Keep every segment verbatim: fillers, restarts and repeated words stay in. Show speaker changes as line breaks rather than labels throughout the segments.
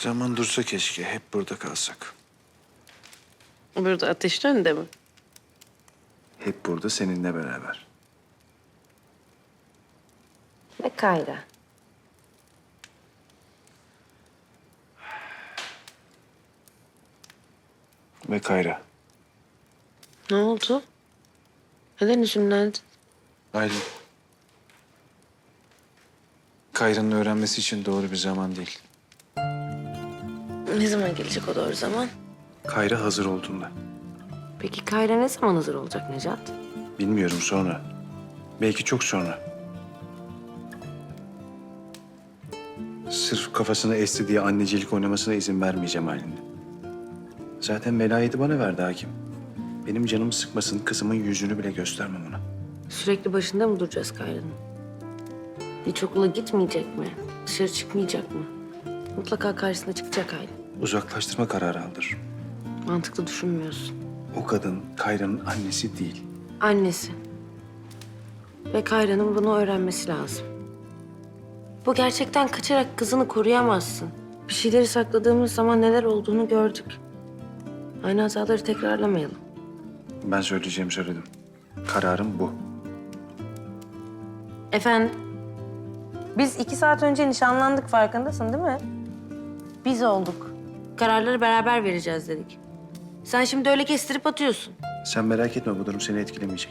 Zaman dursa keşke, hep burada kalsak.
Burada ateşin önünde mi?
Hep burada seninle beraber.
Ve Kayra.
Ve Kayra.
Ne oldu? Neden üzümlendin?
Aylin. Kayra'nın öğrenmesi için doğru bir zaman değil.
Ne zaman gelecek o doğru zaman?
Kayra hazır olduğunda.
Peki Kayra ne zaman hazır olacak Necat?
Bilmiyorum, sonra. Belki çok sonra. Sırf kafasını esti diye annecilik oynamasına izin vermeyeceğim Aylin'in. Zaten velayeti bana verdi hakim. Benim canımı sıkmasın, kızımın yüzünü bile göstermem ona.
Sürekli başında mı duracağız Kayra'nın? Hiç okula gitmeyecek mi? Dışarı çıkmayacak mı? Mutlaka karşısına çıkacak Aylin.
Uzaklaştırma kararı aldırırım.
Mantıklı düşünmüyorsun.
O kadın Kayra'nın annesi değil.
Annesi. Ve Kayra'nın bunu öğrenmesi lazım. Bu gerçekten kaçarak kızını koruyamazsın. Bir şeyleri sakladığımız zaman neler olduğunu gördük. Aynı hataları tekrarlamayalım.
Ben söyleyeceğimi söyledim. Kararım bu.
Efendim? Biz iki saat önce nişanlandık, farkındasın değil mi? Biz olduk. Kararları beraber vereceğiz dedik. Sen şimdi öyle kestirip atıyorsun.
Sen merak etme, bu durum seni etkilemeyecek.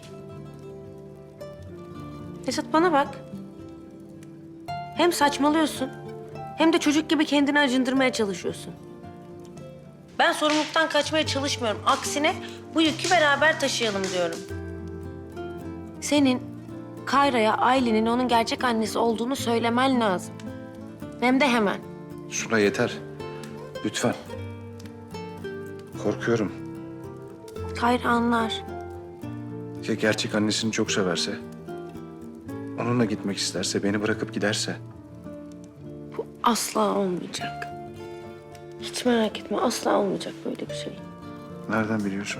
Esat bana bak. Hem saçmalıyorsun hem de çocuk gibi kendini acındırmaya çalışıyorsun. Ben sorumluluktan kaçmaya çalışmıyorum. Aksine bu yükü beraber taşıyalım diyorum. Senin Kayra'ya Aylin'in onun gerçek annesi olduğunu söylemen lazım. Hem de hemen.
Suna yeter. Lütfen. Korkuyorum.
Kayra anlar.
Ya gerçek annesini çok severse? Onunla gitmek isterse, beni bırakıp giderse?
Bu asla olmayacak. Hiç merak etme, asla olmayacak böyle bir şey.
Nereden biliyorsun?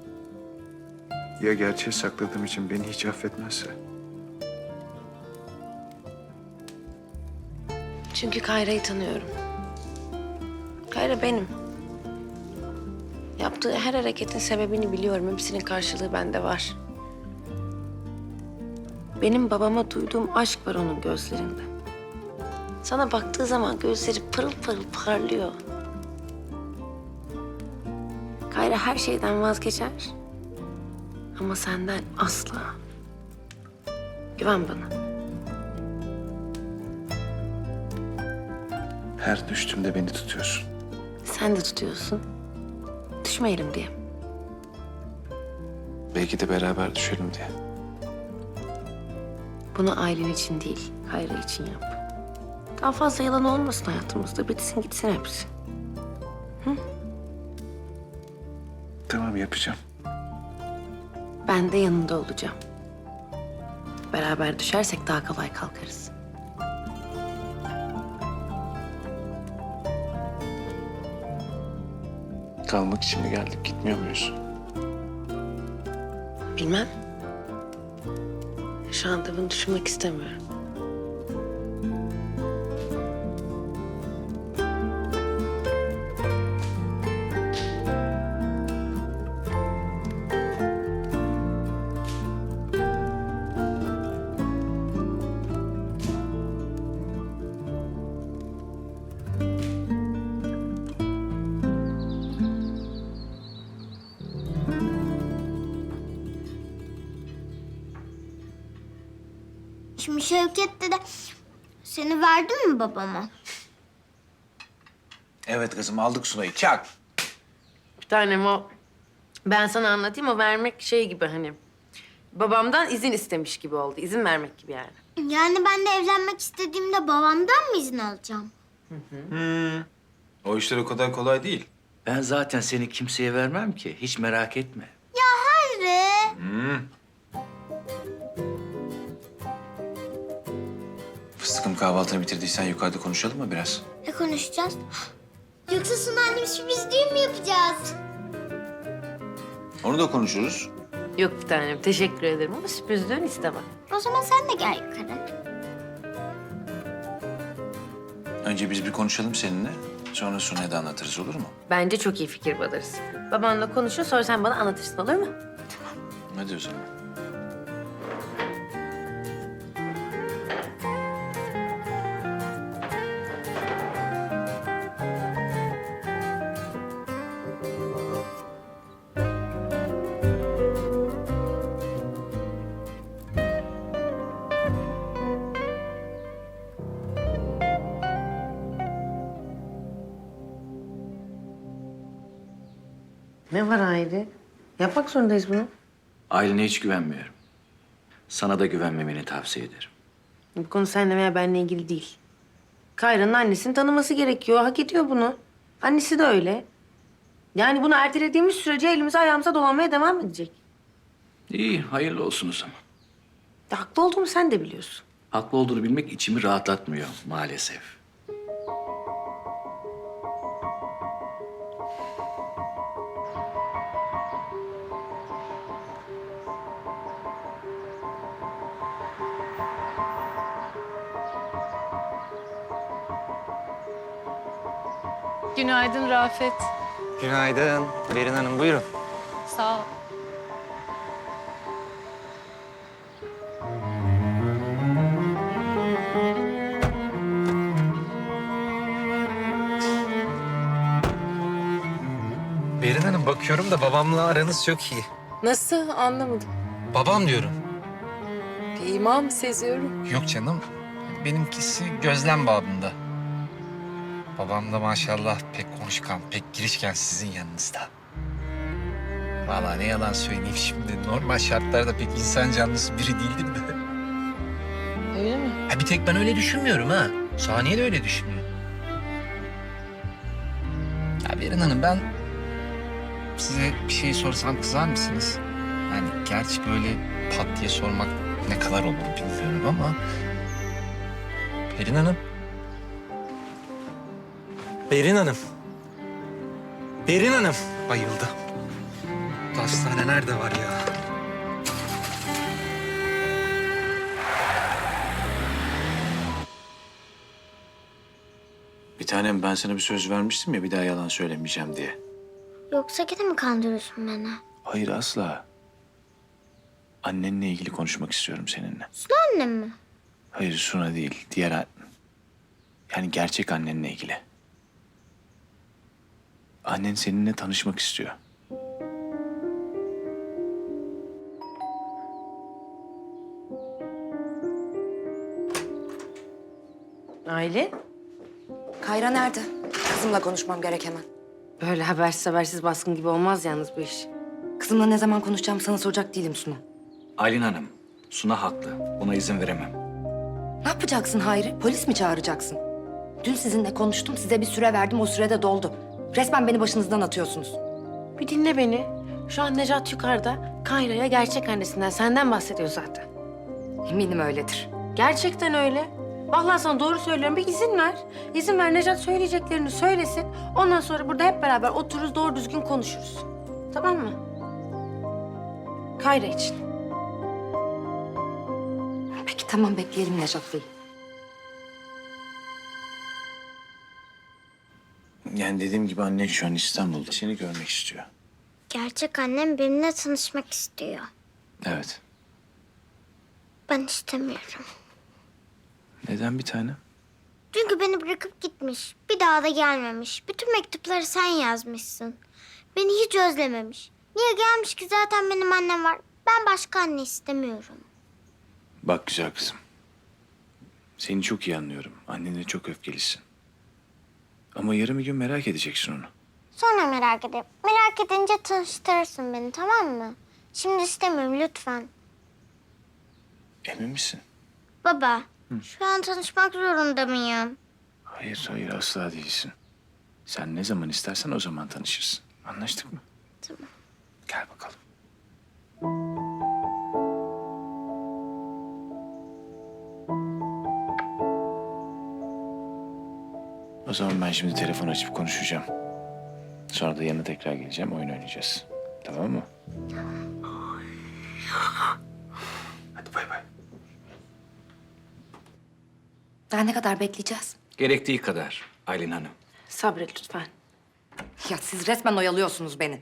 Ya gerçeği sakladığım için beni hiç affetmezse?
Çünkü Kayra'yı tanıyorum. Kayra benim. Yaptığı her hareketin sebebini biliyorum. Hepsinin karşılığı bende var. Benim babama duyduğum aşk var onun gözlerinde. Sana baktığı zaman gözleri pırıl pırıl parlıyor. Kayra her şeyden vazgeçer. Ama senden asla. Güven bana.
Her düştüğümde beni tutuyorsun.
Sen de tutuyorsun. Düşmeyelim diye.
Belki de beraber düşelim diye.
Bunu ailen için değil, Kayra için yap. Daha fazla yalan olmasın hayatımızda. Bitsin gitsin hepsi.
Tamam, yapacağım.
Ben de yanında olacağım. Beraber düşersek daha kolay kalkarız.
Kalmak için mi geldik, gitmiyor muyuz?
Bilmem. Şu anda bunu düşünmek istemiyorum.
Şimdi Şevket dede seni verdin mi babama?
Evet kızım, aldık Sunay'ı. Çak.
Bir tanem o... Ben sana anlatayım, o vermek şey gibi hani... Babamdan izin istemiş gibi oldu. İzin vermek gibi yani.
Yani ben de evlenmek istediğimde babamdan mı izin alacağım?
O işler o kadar kolay değil.
Ben zaten seni kimseye vermem ki. Hiç merak etme.
Hayri.
Fıstıkım, kahvaltını bitirdiysen yukarıda konuşalım mı biraz?
Ne konuşacağız? Yoksa Suna annem sürpriz düğün mü yapacağız?
Onu da konuşuruz.
Yok bir tanem, teşekkür ederim ama sürpriz düğün istemem.
O zaman sen de gel yukarı.
Önce biz bir konuşalım seninle. Sonra Suna'ya da anlatırız, olur mu?
Bence çok iyi fikir Badarız. Babanla konuşun, sonra sen bana anlatırsın, olur mu?
Hadi o zaman.
Ne var Hayri? Yapmak zorundayız bunu.
Ailene hiç güvenmiyorum. Sana da güvenmemeni tavsiye ederim.
Bu konu seninle veya benimle ilgili değil. Kayra'nın annesini tanıması gerekiyor. Hak ediyor bunu. Annesi de öyle. Yani bunu ertelediğimiz sürece elimize ayağımıza dolanmaya devam edecek.
İyi, hayırlı olsun o zaman.
Ya, haklı olduğumu sen de biliyorsun.
Haklı olduğunu bilmek içimi rahatlatmıyor maalesef.
Günaydın Rafet.
Günaydın. Berin Hanım buyurun.
Sağ ol.
Berin Hanım bakıyorum da babamla aranız çok iyi.
Nasıl? Anlamadım.
Babam diyorum.
Bir ima mı seziyorum?
Yok canım. Benimkisi gözlem babında. Babam da maşallah pek konuşkan, pek girişken sizin yanınızda. Vallahi ne yalan söyleyeyim şimdi. Normal şartlarda pek insan canlısı biri değildir de.
Öyle mi?
Ha, bir tek ben öyle düşünmüyorum ha. Saniye de öyle düşünüyor. Ya Berin Hanım ben size bir şey sorsam kızar mısınız? Yani gerçi böyle pat diye sormak ne kadar olur bilmiyorum ama... Berin Hanım. Berin Hanım. Berin Hanım. Bayıldı. Bu hastane nerede var ya?
Bir tanem ben sana bir söz vermiştim ya bir daha yalan söylemeyeceğim diye.
Yoksa gene mi kandırıyorsun beni?
Hayır asla. Annenle ilgili konuşmak istiyorum seninle.
Suna annem mi?
Hayır Suna değil, diğer an... Yani gerçek annenle ilgili. Annen seninle tanışmak istiyor.
Aile,
Kayra nerede? Kızımla konuşmam gerek hemen.
böyle habersiz habersiz baskın gibi olmaz yalnız bu iş.
Kızımla ne zaman konuşacağım sana soracak değilim Suna.
Aylin Hanım, Suna haklı. Buna izin veremem.
Ne yapacaksın Hayri? Polis mi çağıracaksın? Dün sizinle konuştum, size bir süre verdim, o sürede doldu. Resmen beni başınızdan atıyorsunuz.
Bir dinle beni. Şu an Necat yukarıda. Kayra'ya gerçek annesinden, senden bahsediyor zaten.
Eminim öyledir.
Gerçekten öyle. Vallahi sana doğru söylüyorum. Bir izin ver. İzin ver Necat söyleyeceklerini söylesin. Ondan sonra burada hep beraber otururuz, doğru düzgün konuşuruz. Tamam mı? Kayra için.
Peki tamam, bekleyelim Necat Bey.
Yani dediğim gibi annen şu an İstanbul'da. Seni görmek istiyor.
Gerçek annem benimle tanışmak istiyor.
Evet.
Ben istemiyorum.
Neden bir tane?
Çünkü beni bırakıp gitmiş. Bir daha da gelmemiş. Bütün mektupları sen yazmışsın. Beni hiç özlememiş. Niye gelmiş ki zaten benim annem var. Ben başka anne istemiyorum.
Bak güzel kızım. Seni çok iyi anlıyorum. Annene çok öfkelisin. Ama yarın bir gün merak edeceksin onu.
Sonra merak ederim. Merak edince tanıştırırsın beni, tamam mı? Şimdi istemiyorum lütfen.
Emin misin?
Baba, şu an tanışmak zorunda mıyım?
Hayır, hayır asla değilsin. Sen ne zaman istersen o zaman tanışırsın. Anlaştık mı?
Tamam.
Gel bakalım. O zaman ben şimdi telefon açıp konuşacağım. Sonra da yanına tekrar geleceğim, oyun oynayacağız. Tamam mı? Hadi bay bay.
Daha ne kadar bekleyeceğiz?
Gerektiği kadar Aylin Hanım.
Sabret lütfen.
Ya siz resmen oyalıyorsunuz beni.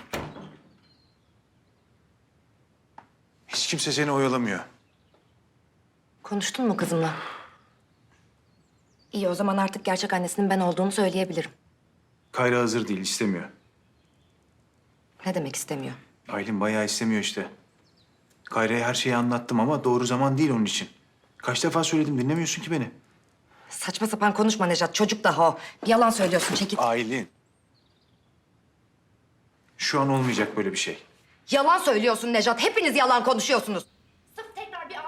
Hiç kimse seni oyalamıyor.
Konuştun mu kızımla? İyi, o zaman artık gerçek annesinin ben olduğunu söyleyebilirim.
Kayra hazır değil, istemiyor.
Ne demek istemiyor?
Aylin bayağı istemiyor işte. Kayra'ya her şeyi anlattım ama doğru zaman değil onun için. Kaç defa söyledim, dinlemiyorsun ki beni.
Saçma sapan konuşma Nejat. Çocuk daha o. Bir yalan söylüyorsun. Çekil.
Aylin. Şu an olmayacak böyle bir şey.
Yalan söylüyorsun Nejat. Hepiniz yalan konuşuyorsunuz.